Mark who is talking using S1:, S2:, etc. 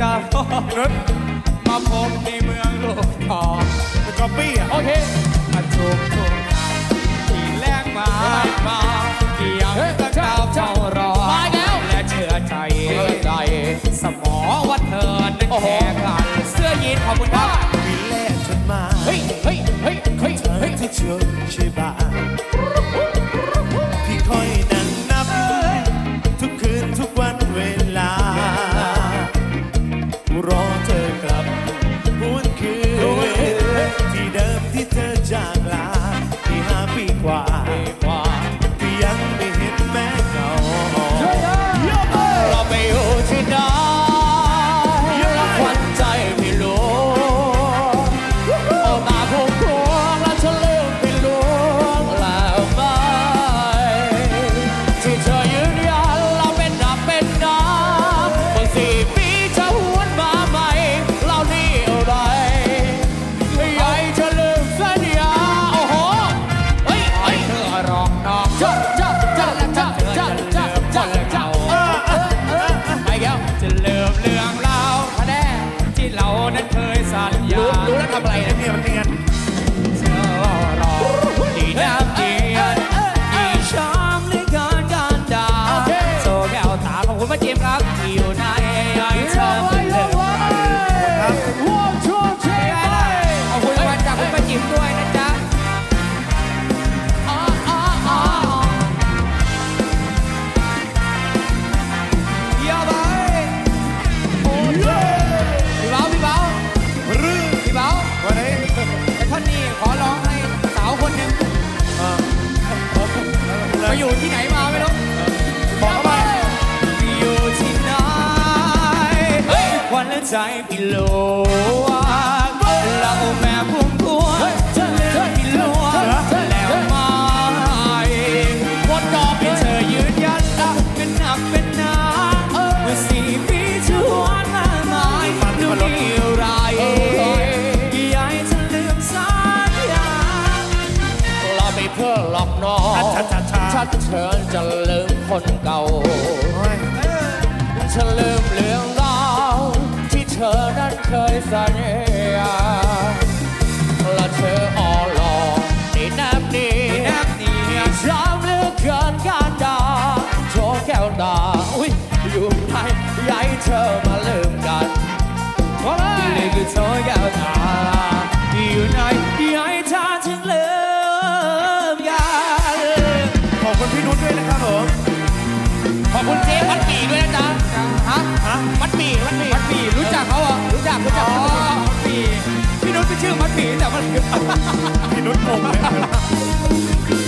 S1: กับมาพบในเมืองโลกทองเป็นก๊อปปี้อ่ะโอเคมาจุกที่แรงมาที่ยังตั้งดาวเฝ้ารอและเชื่อใจสมอว่าเธอนั้นแค่กันเสื้อยีนขอบคุณครับ
S2: มีแลกฉันมา
S1: เฮ้ย
S2: ที่เชื่อใช่บ้าพี่คอยนั่งนับทุกคืนทุกวันเวลารอเธอกลับหวนคืนที่เดิมที่เธอจากลาที่5 ปีกว่าพี่ยังไม่เห็นแม้เงา
S1: เราไปอยู่ที่ไหนแล้วควันใจไม่รู้เอาตาพุ่งพวงแล้วฉันลืมไปลวงแล้วไหมที่เธอยืนยันเราเป็นดับเป็นน้ำเมื่อ4 ปีจะหวนมาใหม่เรานี่อะไรใหญ่จะลืมสัญญาโอ้โหเฮ้ยเธอร้องน้องจะลืมเรื่องราวแน่ที่เรานั้นเคยสัญญารู้แล้วทำอะไรนะเนี่ยมันเนียนเธอรอดีน้ำเดียนอีช้ำหรือการด่าโซแก้วตาของคุณมาเจียมครับอยู่ในไอ้เธอไม่เลิกครับขอบคุณรางวัลจากคุณมาจิ๋มด้วยนะจ๊ะไปอยู่ที่ไหนมาไม่รู้บอกไปอยู่ที่ไหนควันและใจพี่โลเราแม่พุ่มพวงจะเลือกพี่ลวงแล้วมาหมดดอกให้เธอยืนยันเป็นหนักเป็นหนาเมื่อ4 ปีจะหวนมาใหม่ดูนี่ไรอยากให้เธอลืมสัญญาเราไปเพื่อหลอกน้องชัดเชิญจะลืมคนเก่าฉันลืมเรื่องราวที่เธอนั้นเคยสัญญาและเธออ่อนหลอกนี่แนบนี้ช้ำเหลือเกินการด่าโชว์แก้วตาอยู่ไหนอยากให้เธอมาลืมกันนี่คือโชว์แก้วตาอยู่ไหนอยากให้เธอถึงลืมกัน
S2: ขอบคุณพี่นุชด้วยนะครับผม
S1: ขอบคุณเจ๊มัดหมี่ด้วยนะจ๊ะมัดหมี่รู้จักเขาเหรอรู้จักมัดหมี่พี่นุชเป็นชื่อมัดหมี่แต่มัน
S2: พี่นุชงงเลย